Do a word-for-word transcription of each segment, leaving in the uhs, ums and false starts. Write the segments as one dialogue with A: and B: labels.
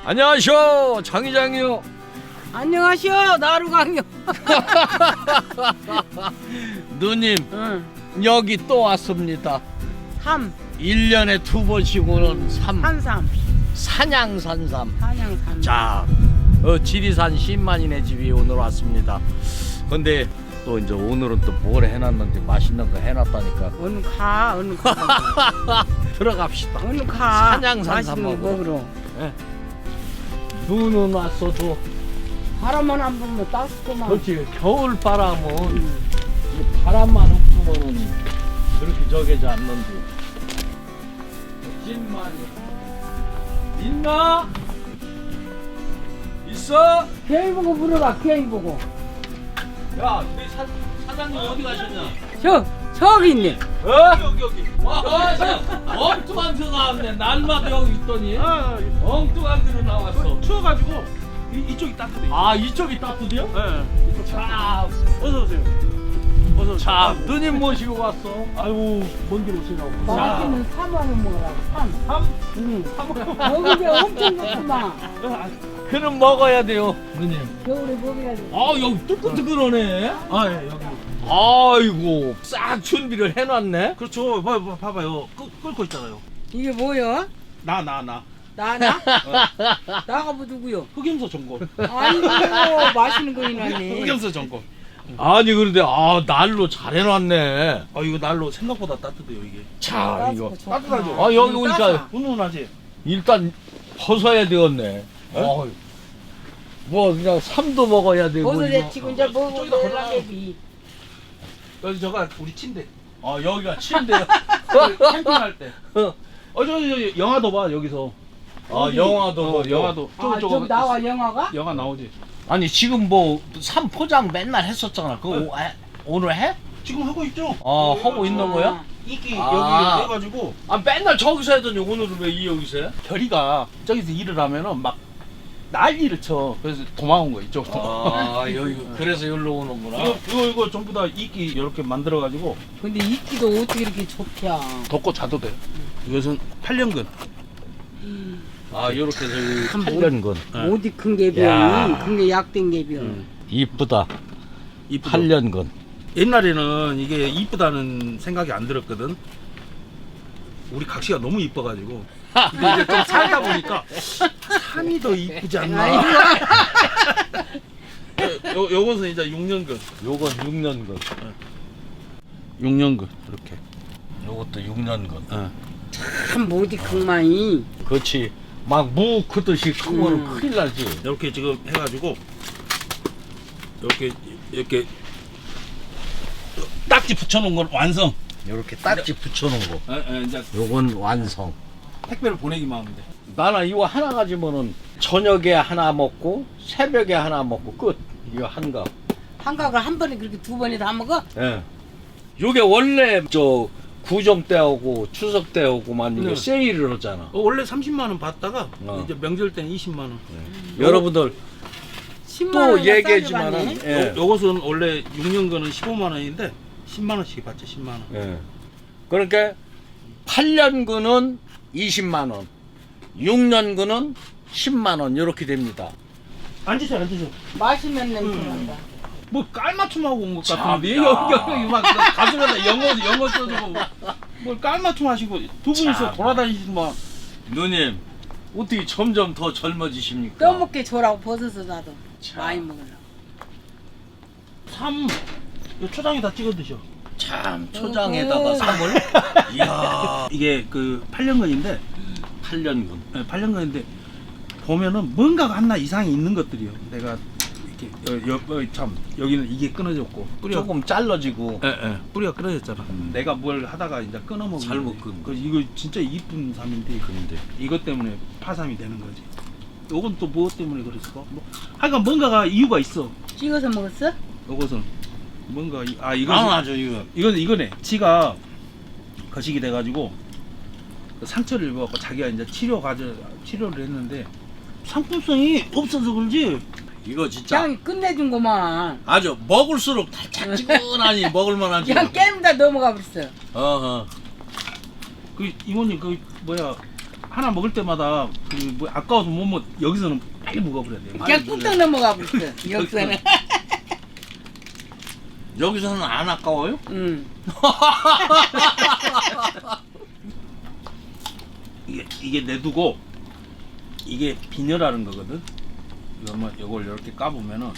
A: 안녕하쇼 장이장이요.
B: 안녕하시오 나루강요.
A: 누님
B: 응.
A: 여기 또 왔습니다.
B: 삼.
A: 일 년에 두 번씩 오는 삼.
B: 한삼.
A: 산양산삼.
B: 한양삼.
A: 자, 어, 지리산 신만이네 집이 오늘 왔습니다. 근데 또 이제 오늘은 또 뭘 해놨는지 맛있는 거 해놨다니까.
B: 어느 가 어느 가.
A: 들어갑시다.
B: 어느 가.
A: 산양산삼
B: 맛있는 거
A: 먹으러.
B: 먹으러.
A: 예. 눈은 왔어도
B: 바람만 안 불면 따숩구만.
A: 그렇지. 겨울 바람은
B: 응.
A: 이 바람만 없으면은 그렇게 저게지 않는지. 신만이 있나? 있어?
B: 개이 보고 물어봐. 개이 보고.
A: 야, 우리 사, 사장님 어디 가셨냐?
B: 저 저기 있네.
A: 어? 여기 여기. 와, 엉뚱한 데로 나왔네. 날마다 여기 있더니
C: 아,
A: 엉뚱한 데로 나왔어.
C: 추워가지고 이, 이쪽이 따뜻해.
A: 아, 이쪽이 따뜻해요?
C: 네.
A: 자,
C: 어서 오세요. 어서 오세요.
A: 자, 누님 모시고 왔어.
C: 아이고 먼 길 오시라고.
B: 맛있는 삼원을 먹으라고. 삼.
C: 삼?
B: 응. 여기 엄청 좋구만.
A: 그럼 먹어야 돼요, 누님.
B: 겨울에 먹어야지.
A: 아, 여기 뜨끈뜨끈하네.
C: 아, 예, 여기.
A: 아이고, 싹 준비를 해놨네.
C: 그렇죠. 봐, 봐, 봐봐요. 끄, 끓고 있잖아요.
B: 이게 뭐야?
C: 나, 나, 나.
B: 나나? 나가 뭐 누구요?
C: 흑염소 전골.
B: 아이고 맛있는 거 해놨네.
C: 흑염소 전골.
A: 아니 그런데 아 날로 잘 해놨네.
C: 아, 이거 날로 생각보다 따뜻해요, 이게.
A: 자 이거.
C: 따뜻하죠?
A: 아 여기 오니까
C: 훈훈하지?
A: 일단 벗어야 되겠네. 어? 뭐 그냥 삼도 먹어야 되고.
B: 버섯
A: 이거.
B: 데치고 이제
C: 저기다
B: 먹으면
C: 걸라.
B: 되지.
C: 여기 저가 우리 침대.
A: 아 여기가 침대야.
C: 캠핑할 때. 어, 저기, 저기, 영화도 봐, 여기서.
A: 아 영화도
C: 어,
A: 보고.
C: 영화도.
B: 아, 좀 나와 영화가?
C: 영화 나오지.
A: 아니 지금 뭐 삼포장 맨날 했었잖아. 그거
C: 네.
A: 오- 해- 오늘 해?
C: 지금 하고 있죠?
A: 아 하고 있는 거야?
C: 이끼
A: 아.
C: 여기 해가지고
A: 아 맨날 저기서 하더니 오늘은 왜 이 여기서 해?
C: 결이가 저기서 일을 하면은 막 난리를 쳐. 그래서 도망온 거 이쪽으로.
A: 아 여기 그래서 여기로 오는구나.
C: 이거, 이거 이거 전부 다 이끼 이렇게 만들어가지고
B: 근데 이끼도 어떻게 이렇게 좁혀?
C: 덮고 자도 돼. 이것은 팔 년근.
A: 아 요렇게 저기
B: 참
A: 팔 년근.
B: 어디 큰
A: 야.
B: 개비야? 큰 게 약된 개비야.
C: 응.
A: 이쁘다.
C: 이쁘죠?
A: 팔 년근.
C: 옛날에는 이게 이쁘다는 생각이 안 들었거든. 우리 각시가 너무 이뻐가지고. 근데 이제 좀 살다 보니까 산이 더 이쁘지 않나. 요, 요것은 이제 육 년근.
A: 요건 육 년근.
C: 육 년근 이렇게.
A: 요것도 육 년근.
C: 어.
B: 참 어디 큰마이.
A: 그렇지. 막 무 크듯이 크면
B: 음.
A: 큰일 나지.
C: 이렇게 지금 해가지고 이렇게 이렇게 딱지 붙여놓은 건 완성.
A: 요렇게 딱지 붙여놓은 거.
C: 에, 에, 이제
A: 요건 완성.
C: 택배를 보내기만 하면 돼.
A: 나는 이거 하나 가지면은 저녁에 하나 먹고 새벽에 하나 먹고 끝. 이거 한가.
B: 한각을 한 번에 그렇게 두 번에 다 먹어?
A: 예. 요게 원래 저 구정 때 오고 추석 때 오고만 이거
C: 네.
A: 세일을 하잖아.
C: 어, 원래 삼십만 원 받다가
A: 어.
C: 이제 명절 때는 이십만 원.
A: 여러분들
B: 십만
A: 또
B: 원이나
A: 얘기했지만은
B: 싸게
A: 예.
C: 요, 요것은 원래 육 년근은 십오만 원인데 십만 원씩 받죠. 십만 원.
A: 예. 그러니까 팔 년근은 이십만 원, 육 년근은 십만 원 이렇게 됩니다.
C: 앉으세요, 앉으세요.
B: 받네. 맛있는 냄새 난다.
C: 뭐 깔맞춤하고 온 것
A: 참,
C: 같은데
A: 야.
C: 여기 여기 막 가슴에다 영어 영어 써주고 뭘 깔맞춤 하시고 두 분이서
A: 참.
C: 돌아다니시면
A: 누님 어떻게 점점 더 젊어지십니까?
B: 떠먹게 줘라고 버섯을 나도
A: 참.
B: 많이 먹으려고.
C: 삼 요 초장에 다 찍어 드셔.
A: 참 초장에다가
B: 어허.
A: 삼을 이야
C: 이게 그 팔 년근인데
A: 팔 년근.
C: 네, 팔 년근인데 보면은 뭔가가 하나 이상이 있는 것들이요. 내가 이렇게 여, 여, 어, 참 여기는 이게 끊어졌고 뿌리가
A: 조금 잘라지고
C: 예, 예. 뿌리가 끊어졌잖아.
A: 음.
C: 내가 뭘 하다가 이제 끊어 먹은
A: 잘못
C: 거지.
A: 끊은
C: 그 이거 진짜 이쁜 삼인데
A: 근데
C: 이것 때문에 파삼이 되는 거지. 요건 또 무엇 때문에 그랬을까? 뭐, 하여간 뭔가가 이유가 있어.
B: 찍어서 먹었어?
C: 요것은 뭔가 이- 아 이거
A: 아 맞아 이거
C: 이건 이거네. 지가 거식이 돼가지고 상처를 입어갖고 자기가 이제 치료 가져 치료를 했는데 상품성이 없어서 그런지
A: 이거 진짜
B: 그냥 끝내준구만.
A: 아주 먹을수록 달짝지근하니 먹을만하지.
B: 그냥 게임 다 넘어가 버렸어.
A: 어허.
C: 그 이모님 그 뭐야 하나 먹을 때마다 그뭐 아까워서 못 먹. 여기서는 빨리 먹어버려야 돼.
B: 그냥 뚝딱 넘어가 버렸어. 여기서는.
A: 여기서는 안 아까워요?
B: 응.
C: 이게 이게 내두고 이게 비녀라는 거거든. 이거만 이걸 이렇게 까보면은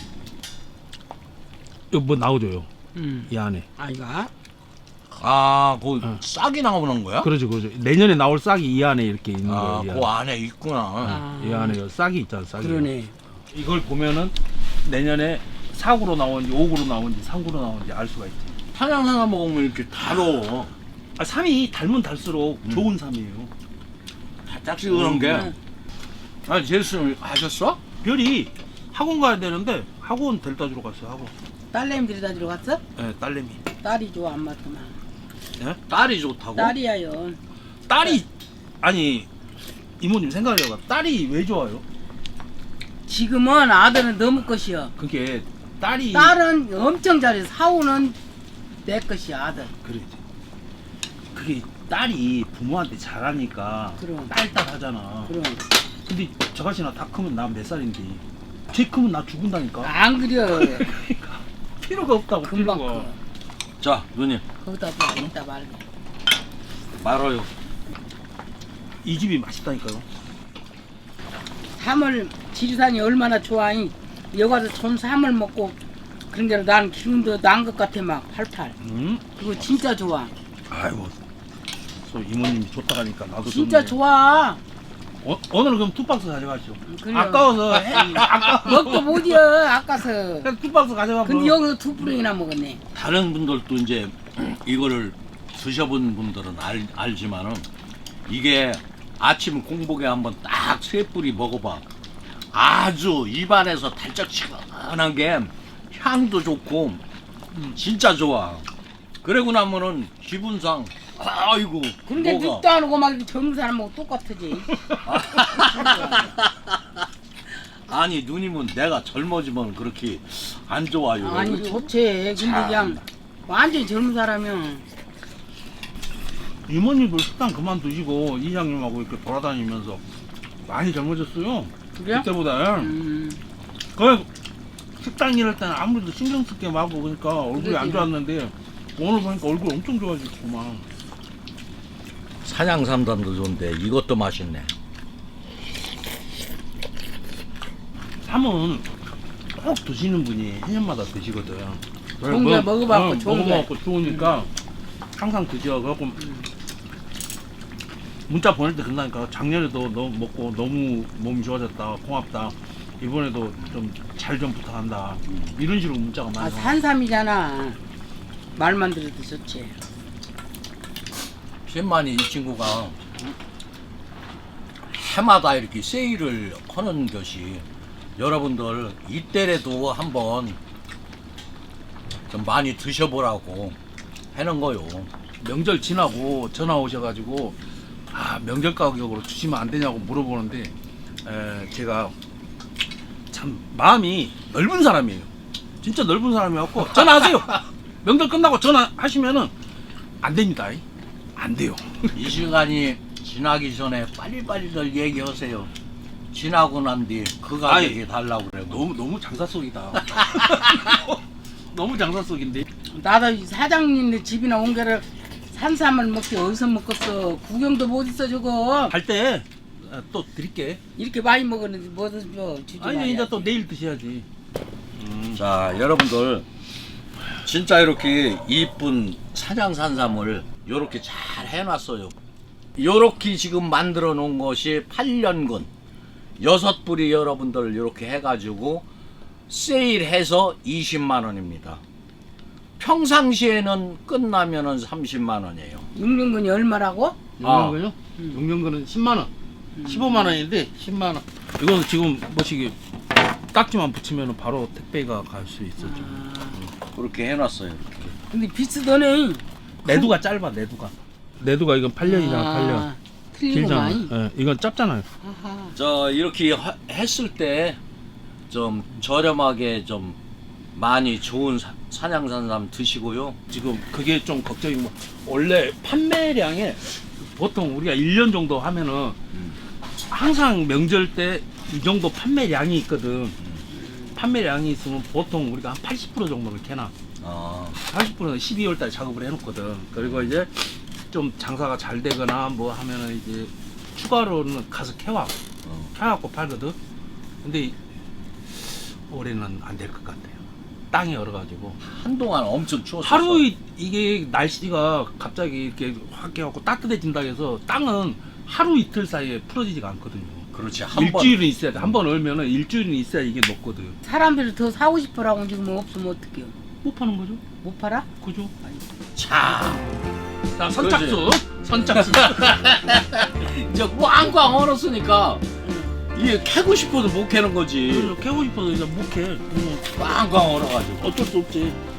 C: 이거 뭐 나오죠요.
B: 응.
C: 이 안에.
B: 아 이거?
A: 아, 그
C: 어.
A: 싹이 나오는 거야?
C: 그러죠, 그러죠. 내년에 나올 싹이 이 안에 이렇게 있는
A: 아,
C: 거예요. 이
A: 그
C: 안에.
A: 안에 있구나.
B: 아.
C: 이 안에 싹이 있잖아, 싹이.
B: 그러네.
C: 이걸 보면은 내년에 사구로 나오는지 오구로 나오는지 삼구로 나오는지 알 수가 있지.
A: 사냥사나 먹으면 이렇게 달어.
C: 아, 삼이 달면 달수록
A: 음.
C: 좋은 삼이에요.
A: 달짝지근한 게.
B: 음.
A: 아, 제수님 하셨어?
C: 별이 학원 가야 되는데 학원 데려다 주러 갔어요, 학원.
B: 딸내미 데려다 주러 갔어?
C: 예, 딸내미.
B: 딸이 좋아 안 맞구만.
C: 예?
A: 딸이 좋다고?
B: 딸이야요.
C: 딸이 아니 이모님 생각해봐. 딸이 왜 좋아요?
B: 지금은 아들은 너무 것이여.
C: 그게 딸이
B: 딸은 엄청 잘해. 사우는 내 것이야 아들.
C: 그러지. 그게 딸이 부모한테 잘하니까
B: 그럼.
C: 딸딸 하잖아.
B: 그럼
C: 근데 저같이나 다 크면 나 몇 살인데 쟤 크면 나 죽은다니까.
B: 안 그려.
C: 그러니까 필요가 없다고
B: 금방
C: 필요가.
B: 커.
A: 자, 누님,
B: 거기다 봐 이따 말고.
A: 말아요.
C: 이 집이 맛있다니까요.
B: 삼을 지리산이 얼마나 좋아해. 여기 가서 전 삼을 먹고 그런 게로 난 기운도 난 것 같아 막 팔팔.
C: 음.
B: 그거 진짜 좋아.
C: 아이고. 소 이모님이 좋다 하니까 나도
B: 진짜
C: 좋네.
B: 좋아.
C: 어, 오늘은 그럼 두 박스 가져가시죠.
B: 그래요.
C: 아까워서 해. 아까
B: 먹도 못이여 아까서.
C: 그냥 두 박스 가져가.
B: 근데 여기서 두 뿌링이나 먹었네.
A: 다른 분들도 이제 이거를 드셔본 분들은 알, 알지만은 이게 아침 공복에 한번 딱 세 뿌리 먹어봐. 아주 입안에서 달짝지근한 게 향도 좋고 진짜 좋아. 그러고 나면은 기분상 아이고
B: 근데
A: 뭐가
B: 늙도 안 오고 막 이렇게 젊은 사람하고 똑같지.
A: 아니 누님은 내가 젊어지면 그렇게 안 좋아요.
B: 아니 좋지. 근데 그냥 완전히 젊은 사람이야.
C: 이모님도 식당 그만 두시고 이장님하고 이렇게 돌아다니면서 많이 젊어졌어요.
B: 그래?
C: 그때보다.
B: 음,
C: 그 식당 일할 때는 아무래도 신경 쓸 게 많고 그러니까 얼굴이 안
B: 그러지.
C: 좋았는데 오늘 보니까 얼굴 엄청 좋아지구만.
A: 사냥 삼단도 좋은데 이것도 맛있네.
C: 삼은 꼭 드시는 분이 해년마다 드시거든.
B: 좋은 게 먹어봤고 좋은 게.
C: 먹어봤고 좋으니까 항상 드셔. 그래갖고 문자 보낼 때 그런다니까. 작년에도 너 먹고 너무 몸이 좋아졌다, 고맙다. 이번에도 좀 잘 좀 부탁한다. 이런 식으로 문자가
B: 아
C: 많이 와.
B: 산삼이잖아. 말만 들어도 좋지.
A: 신만이 이 친구가 해마다 이렇게 세일을 하는 것이 여러분들 이때라도 한번 좀 많이 드셔보라고 하는 거요.
C: 명절 지나고 전화 오셔가지고 아 명절 가격으로 주시면 안 되냐고 물어보는데 에, 제가 참 마음이 넓은 사람이에요. 진짜 넓은 사람이었고 전화하세요. 명절 끝나고 전화하시면은 안 됩니다. 안 돼요.
A: 이 시간이 지나기 전에 빨리빨리들 얘기하세요. 지나고 난 뒤 그 가격이
C: 아이,
A: 달라고 그래요.
C: 너무 너무 장사 속이다. 너무 장사 속인데.
B: 나도 사장님네 집이나 온 게를 산삼을 먹기 어디서 먹겠어. 구경도 못 있어 저거.
C: 갈 때 또 드릴게.
B: 이렇게 많이 먹었는데 뭐든 줘 주지
C: 아니
B: 말아야지.
C: 이제 또 내일 드셔야지. 음.
A: 자, 여러분들 진짜 이렇게 이쁜 사냥산삼을 이렇게 잘 해놨어요. 이렇게 지금 만들어 놓은 것이 팔 년근 여섯 뿌리 여러분들 이렇게 해가지고 세일해서 이십만 원입니다. 평상시에는 끝나면은 삼십만 원이에요.
B: 육년근이 얼마라고?
C: 용량근요? 용량근은 십만 원. 십오만 원인데 십만 원. 이거는 지금 뭐시기 딱지만 붙이면 바로 택배가 갈 수 있어. 좀.
B: 아,
A: 그렇게 해놨어요.
B: 근데 비슷하네.
C: 내두가 짧아. 내두가. 내두가 이건 팔 년이잖아. 팔 년. 길잖아.
B: 틀리구만.
C: 예, 이건 짧잖아요.
B: 아하.
A: 저 이렇게 하- 했을 때 좀 저렴하게 좀 많이 좋은 사, 사냥산삼 드시고요.
C: 지금 그게 좀 걱정이고 원래 판매량에 보통 우리가 일 년 정도 하면은 항상 명절 때 이 정도 판매량이 있거든. 판매량이 있으면 보통 우리가 한 팔십 퍼센트 정도를 캐나.
A: 아,
C: 팔십 퍼센트는 십이월 달에 작업을 해놓거든. 그리고 이제 좀 장사가 잘 되거나 뭐 하면은 이제 추가로는 가서 캐와.
A: 어.
C: 캐갖고 팔거든. 근데 올해는 안 될 것 같아요. 땅이 얼어가지고.
A: 한동안 엄청 추웠어.
C: 하루 이- 이게 날씨가 갑자기 이렇게 확 해갖고 따뜻해진다 해서 땅은 하루 이틀 사이에 풀어지지가 않거든요.
A: 그렇지. 한 번.
C: 일주일은 있어야 돼. 한 번 얼면은 일주일은 있어야 이게 녹거든.
B: 사람들이 더 사고 싶어라고 지금 없으면 어떡해요?
C: 못 파는 거죠?
B: 못 팔아?
C: 그죠?
A: 자,
C: 자, 선착순. 선착순.
A: 이제 꽝꽝 얼었으니까 이게 캐고 싶어도 못 캐는 거지.
C: 그래서 캐고 싶어서 이제 못 캐. 음,
A: 꽝꽝 얼어가지고.
C: 어쩔 수 없지.